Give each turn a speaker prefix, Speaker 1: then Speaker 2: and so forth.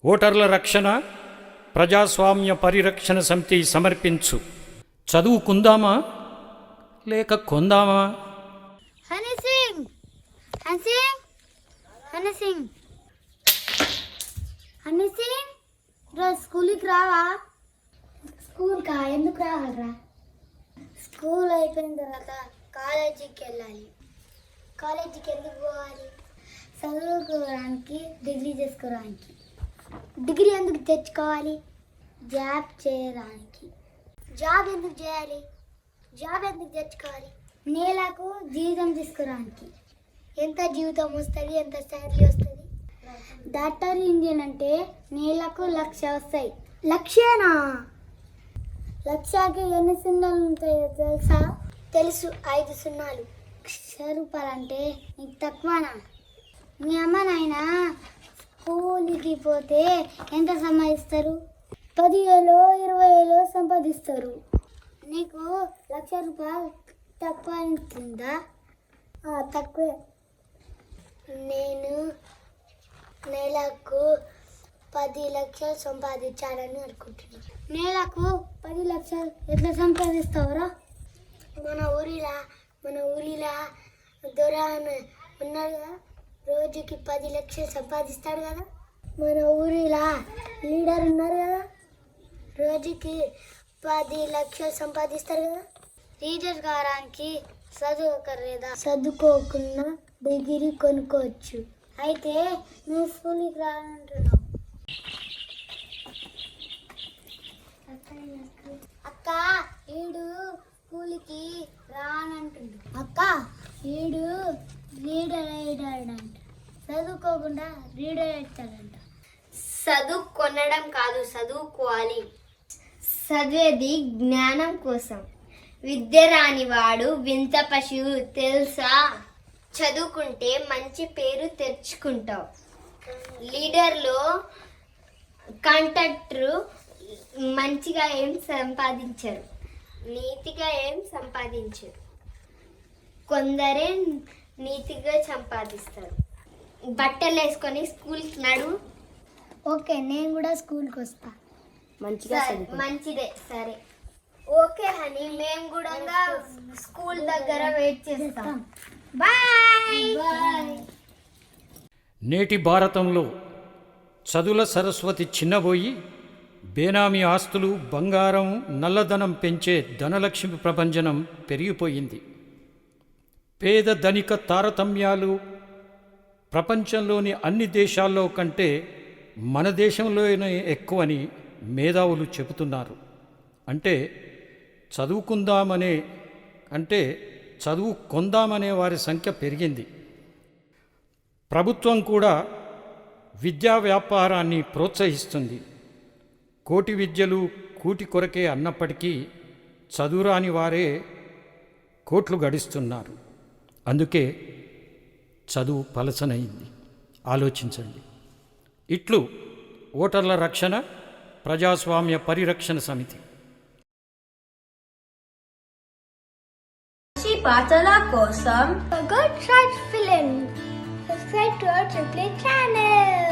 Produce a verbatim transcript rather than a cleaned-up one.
Speaker 1: ఓటర్ల రక్షణ ప్రజాస్వామ్య పరిరక్షణ సమితి సమర్పించు చదువుకుందామా లేక కొందామా?
Speaker 2: హనీ సింగ్ హనీ సింగ్ హనీ సింగ్ హనీ సింగ్ రోజు స్కూల్కి రావా? స్కూల్కా ఎందుకు రావాలరా? స్కూల్ అయిపోయిన తర్వాత కాలేజీకి వెళ్ళాలి. కాలేజీకి ఎందుకు పోవాలి? చదువుకోవడానికి, డిగ్రీ చేసుకోవడానికి. డిగ్రీ ఎందుకు తెచ్చుకోవాలి? జాబ్ చేయడానికి. జాబ్ ఎందుకు చేయాలి? జాబ్ ఎందుకు తెచ్చుకోవాలి? నేలకు జీవితం తీసుకోవడానికి. ఎంత జీవితం వస్తుంది, ఎంత శాలరీ వస్తుంది? డాక్టర్ ఇంజిన్ అంటే నేలకు లక్ష వస్తాయి. లక్షేనా? లక్షకి ఎన్ని సున్నాలు ఉంటాయో తెలుసా? తెలుసు, ఐదు సున్నాలు. లక్ష రూపాయలు అంటే నీకు తక్కువనా? మీ అమ్మ నాయన స్కూల్కి పోతే ఎంత సంపాదిస్తారు? పదివేలు ఇరవై వేలు సంపాదిస్తారు. నీకు లక్ష రూపాయలు తక్కువ అనిపించిందా? తక్కువే. నేను నెలకు పది లక్షలు సంపాదించాలని అనుకుంటున్నాను. నెలకు పది లక్షలు ఎట్లా సంపాదిస్తావురా? మన ఊరిలా మన ఊరిలా దొర ఉన్నాడు కదా, రోజుకి పది లక్షలు సంపాదిస్తాడు కదా. మన ఊరిలా లీడర్ ఉన్నారు కదా, రోజుకి పది లక్షలు సంపాదిస్తారు కదా. లీడర్ కావడానికి చదువుకర్లేదా? చదువుకోకుండా డిగ్రీ కొనుక్కోవచ్చు. అయితే నువ్వు స్కూల్కి రానంటున్నావు. అక్క ఈడు స్కూల్కి రానంటుండు. అక్క ఈడు లీడర్ అయ్యాడంట. చదువుకోకుండా లీడర్ అవుతాడంట.
Speaker 3: చదువు కొనడం కాదు, చదువుకోవాలి. చదివేది జ్ఞానం కోసం. విద్య రానివాడు వింత పశువు తెలుసా? చదువుకుంటే మంచి పేరు తెచ్చుకుంటావు. లీడర్లో కాంట్రాక్టరు మంచిగా ఏం సంపాదించరు, నీతిగా ఏం సంపాదించరు. కొందరే నీతిగా సంపాదిస్తారు. బట్టలు వేసుకొని స్కూల్కి నడు.
Speaker 2: ఓకే, నేను కూడా స్కూల్కి వస్తా.
Speaker 3: మంచిగా మంచిదే, సరే. ఓకే హనీ, మేము కూడా స్కూల్ దగ్గర వెయిట్ చేస్తాం. Bye bye.
Speaker 1: నేటి భారతంలో చదువుల సరస్వతి చిన్నబోయి బేనామీ ఆస్తులు, బంగారం, నల్లధనం పెంచే ధనలక్ష్మి ప్రభంజనం పెరిగిపోయింది. పేద ధనిక తారతమ్యాలు ప్రపంచంలోని అన్ని దేశాల్లో కంటే మన దేశంలోనే ఎక్కువని మేధావులు చెబుతున్నారు. అంటే చదువుకుందామనే అంటే చదువు కొందామనే వారి సంఖ్య పెరిగింది. ప్రభుత్వం కూడా విద్యా వ్యాపారాన్ని ప్రోత్సహిస్తుంది. కోటి విద్యలు కూటి కొరకే అన్నప్పటికీ చదువురాని వారే కోట్లు గడిస్తున్నారు. అందుకే చదువు పలసనైంది. ఆలోచించండి. ఇట్లు ఓటర్ల రక్షణ ప్రజాస్వామ్య పరిరక్షణ సమితి.
Speaker 3: పాటల కోసం
Speaker 2: good shot film. Subscribe to our triply channel.